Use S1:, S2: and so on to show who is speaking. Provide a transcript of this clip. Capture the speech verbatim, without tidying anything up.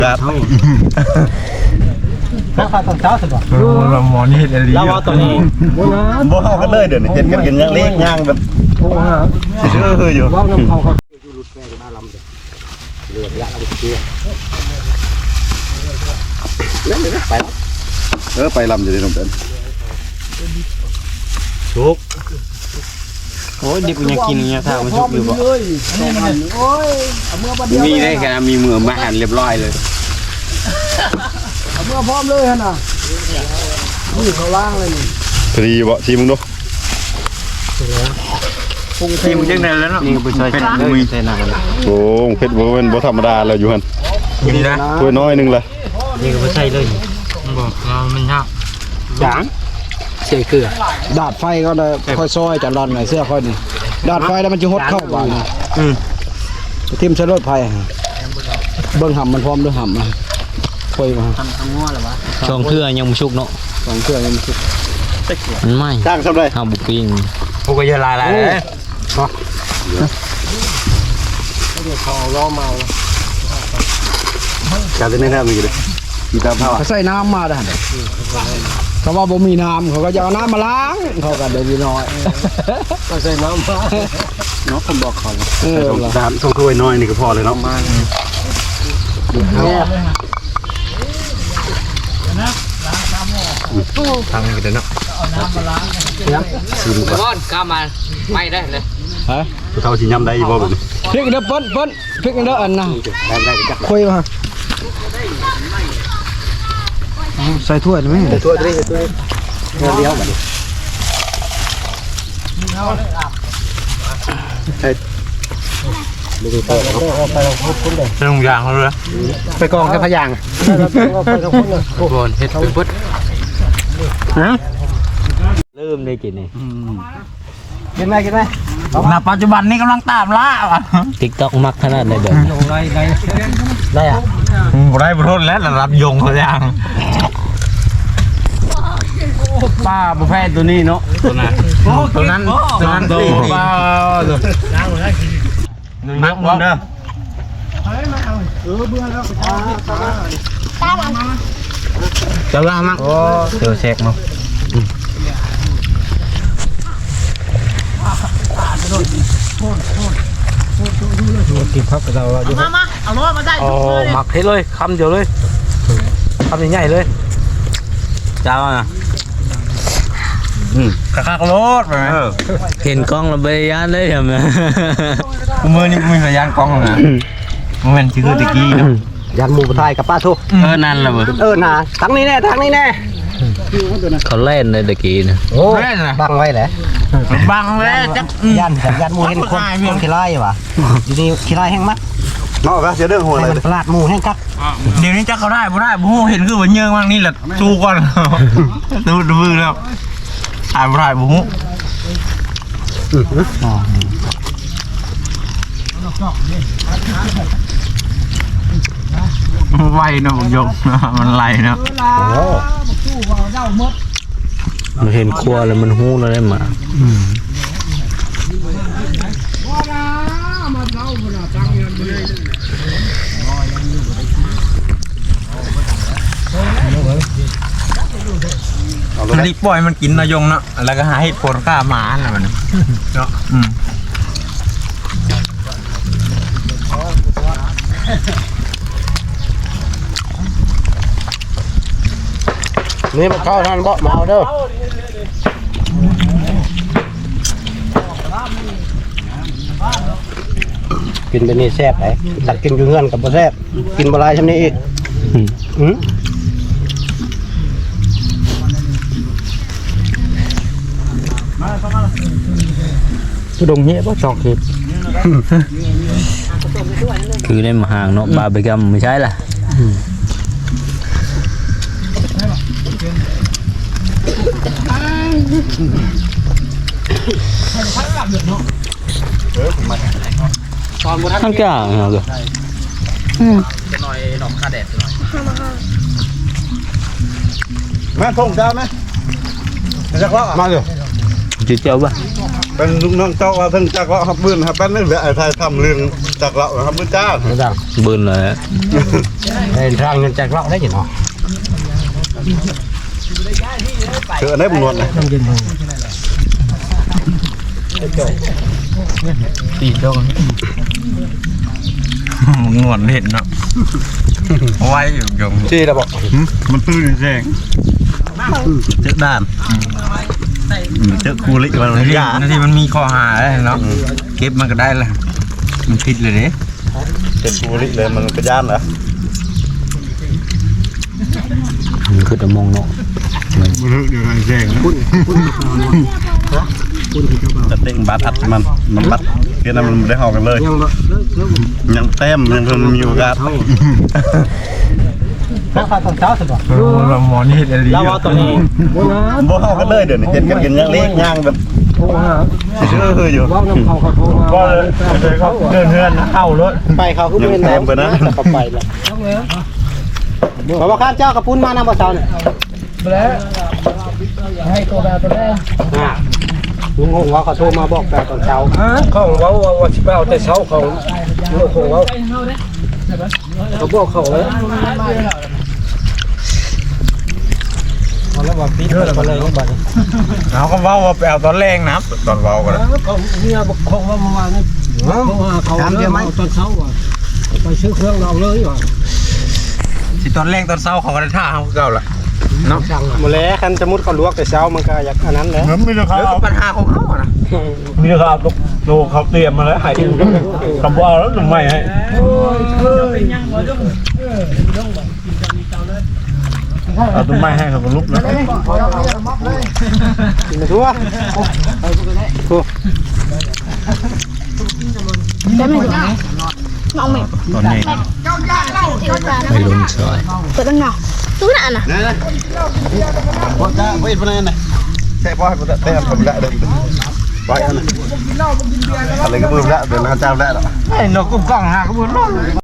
S1: ครับ
S2: ข้าวตอนเช้าสุดว่ะ
S3: เราหมอนี่เห็นอะไรเราเอาตัวนี้
S1: บ่เข้ากันเลยเดี๋ยวนี้เห็นกันกันย่างเล็กย่างแบบเชื่ออยู่
S2: ว่าน้ำเขาเขาอยู่รุดแม่มาลำเดือดยาเราเชื่อเล่นเลยไป
S1: เออไปลำอยู่ที่ตรงนั้น
S3: ชุกโอ้ยดิบยังกินเนี่ยถ้ามันชุกอยู่บ่มีได้แค่มีมือมาหั่นเรียบร้อยเลย
S2: เอาเมื่อพร้อมเลยฮะน่ะนี่เขาล่างเลยนี่
S1: พอดีบ่ทีมึงดู
S3: ทีมึงจังได๋แล้วเนาะนี่ก็ไปใส่เลยใส่น้ำ
S1: โอ้เพชรบ่เป็นบ่ธรรมดาแล้วอยู่หั่น
S3: นี่นะ
S1: ถ้วยน้อยนึงล่ะ
S3: นี่ก็ไปใส่เลยบ่เรามันยากจาง
S2: เสียคือดาดไฟก็ได้ค่อยซอยจะร้อนหน่อยเสื้อค่อยนี่ดาดไฟแล้วมันจะหดเข้าบ้าน
S3: อืม
S2: ทิ่มใส่รถไฟเบิ่งห่ำมันพร้อมด้วยห่ำมาคุยมาทำทำง้อหรอวะ
S3: สองเทื่อยังมุชุกเนาะ
S2: สองเทื่อยังมุชุก
S3: มันไม่
S1: จ้างทำไร
S3: ทำบุกปิ้งพวกก็จะลายลายเลยเนาะ
S2: เดี๋ยวเขาล้อเมา
S1: การเต้นแน่ๆมีเลยมีตาผ้า
S2: เขาใส่น้ำมาได้เขาว่าบ่มีน้ำเขาก็จะเอาน้ำมาล้างเขาก็เดี๋ยวน้อยก็ใส่น้ำมาเนาะผมบอกเขา
S1: เออสามส่งถ้วยน้อยนี่ก็พอเลยเนาะมา
S3: ทางนี้ก็ได้เนาะ
S2: ชิมก่อน
S3: ก้ามาไม่ได้เลย
S2: ฮะ
S1: เท่าชิยำได้บ่แบบนี้
S2: พริกเด้อเปิ้ลเปิ้ลพริกเด้ออันน่ะคุยมาใส่ถ้วยไหม
S1: ใส่ถ้วยได้ใส่ถ้วยเลี้ยวมาดิใช่ดูไปไปลงพุทธเลย
S3: ไปลงยางเขาเลย
S2: ไปกองแค่พยางไปลงพุทธเลย
S3: โอนเฮ็ดเป็นพุทธฮะเริ่มได้กินนี่
S2: กินไหมกินไหม
S3: ณปัจจุบันนี้กำลังตามล่าอ่ะติ๊กต็อกมักขนาดไหนเดี๋ยว
S2: ได้ได้ได้อะ
S3: ได้บทแล้วระดับยงเขาอย่างป้าบุฟเฟ่ตัวนี้เนาะตัวนั้นตัวนั้นตัวนั้นตัวป้าตัวนักมันเด้อ
S2: เออเบื่อแล้ว
S3: จะล่ามั้งเจอเช็คมั้ง
S2: กินพักกับเรา
S4: มามาเอาล้อมาได้
S3: อ๋อหมักให้เลยคำเดียวเลยคำใหญ่ๆเลยจ้าอ่ะอืมกระคักรถไปไหมเห็นกล้องเราไปยันเลยเหรอแม่มือนี่มีพยานกล้องนะมันเป็นชื่อตะกี้นะ
S2: ยันหมูไทยกับป้าทุก
S3: เออนั่นแหละเว้ย
S2: เออน่ะทั้งนี้แน่ทั้งนี้แน่
S3: เขาเล่นเลยตะกี้นะ
S2: โอ้เล่นนะบังไว้แหละ
S3: บังเลยจัก
S2: ยันยันหมูเห็นคนคนขี้ไล่วะอยู่นี่ขี้ไล่แห้งมัด
S1: เนาะก็เสียเรื่องหัวเลย
S2: ปลาดหมูแห้งกัก
S3: เดี๋ยวนี้จักเขาได้บ่ได้บ่เห็นคือว่าเยื่อมั่งนี่แหละสู้ก่อนดูดูแล้วถ่ายบ่ได้บ่ฮู้ไวนะผมยกมันไหลนะมันเห็นครัวแล้วมันหู้แล้วได้มามันรีบปล่อยมันกินนายงเนาะแล้วก็หาให้ผลกล้าหมาอะไรมันเนาะอืม
S2: นี่มันเข้าทางเบาะเมาเด้อกินไปนี่แซ่บไหนตักกินอยู่เงื่อนกับบ่แซ่บกินบ่ลายชำนี้อีกอืมผู้ดงเหี้ยบ่จอกเห็ด
S3: คือในมหางเนาะบาร์บีกัมไม่ใช่ล่ะทั้งกลางเหรอจะหน่อยหนอกคาแดดหน่อย
S1: มาส่งจ้าไหมมาจากว่ามาเลย
S3: จุดเจ้าป่ะ
S1: เป็นลูกน้องเจ้าว่าทั้งจักรเลาะครับบื้นครับแป๊บนึงเดี๋ยวไอ้ไทยทำเรื่องจักรเลาะครับบื้นจ้า
S2: ไม่ได้
S3: บืนเลย
S2: เดินทางเงินจากเราได้ยังเนาะ
S1: เจอได้บุญนวลนะ
S3: ตีโดนงวนเห็นเนาะไว้อยู่ยง
S2: ที่เราบอก
S1: มันตื้นแรงเจอด้านเจอคูลิมัน
S3: นาที
S1: ยา
S3: นาทีมันมีข้อหาเลยเนาะเก็บมันก็ได้ละมันผิดเลยเด้
S1: เจอคูลิเลยมันกระย่านเหรอ
S3: มันคือตะมงเนาะ
S1: มันเรื่องอะไรแรงจะเด้งบัตรอัดมันมันบัตรเพื่อนมันได้หอกกันเลย
S2: ยังบ่
S1: ยังเต็มยังคนมีโอกาส
S2: แล้วข้าวตอนเช้าสิบ่
S3: เราหมอนี่เห็นอะไร
S2: แล้วว่าตอนนี้บ่นะ
S1: บ่หอกกันเลยเดี๋ยวนี้เห็นกันกันยังเล็กย่างแบบ
S2: โทรหา
S1: ชื่อคืออยู่
S2: ว่าน้ำเขาเขาโทรมาว่าเขา
S3: เดินเฮือนเข้ารถ
S2: ไปเขาคือเป็นน้ำแต่เขาไปแล้วบอกว่าข้ามเจ้ากระปุ้นมาน้ำบ่เช้าเนี่ยแล้วให้ตัวแบบตัวแรกอ่าลุงหงว่าเขาโทรมาบอกแบบตอนเช้าของเว้าว่าสิไปเอาแต่เช้าของลุงหงเว้าเขาบอกเขาเลยเอาแล้วว่าปิดเลยมาเลยบัดนี้
S3: เขาก็ว่าว่าไปเอาตอนแรงนะตอนเว้ากัน
S2: เขาเนี่ยบอกเขาว่าเมื่อวานนี่เขาว่าเขาเอาตอนเช้าว่ะไปซื้อเครื่องเราเลยว่ะ
S3: สิตอนแรงตอนเช้าเขาก็ได้ท่าเขาเก่าละเนาะ
S2: หมดแล้วคันสมมุติเขาลวกแต่เช้ามันก็อยากอันนั้นแหละ
S1: มันมีราคา
S3: แล้วปัญหาของเขาอะนะ
S1: มีราคาตกโตเขาเตรียมมาแล้วให้คำว่าแล้วหนุ่มใหม่ให้เอาต้นไม้ให้เขาก็ลุกนะ
S2: กินมาทั่วทั่ว
S4: ได้ไหมน้องไหม
S1: ตอนนี้
S3: ไม่ลงซอย
S4: เปิดตั้งหนอตู้น่ะน่ะ
S1: พอจะไม่เป็นไรนะแค่พอให้ผมได้แต่ผมละเดิมไปอันนั้นอะไรก็มือละเดี๋ยวเราเจ้าละ
S3: ไอ้นกกุ้งกล้องหาก็บุญ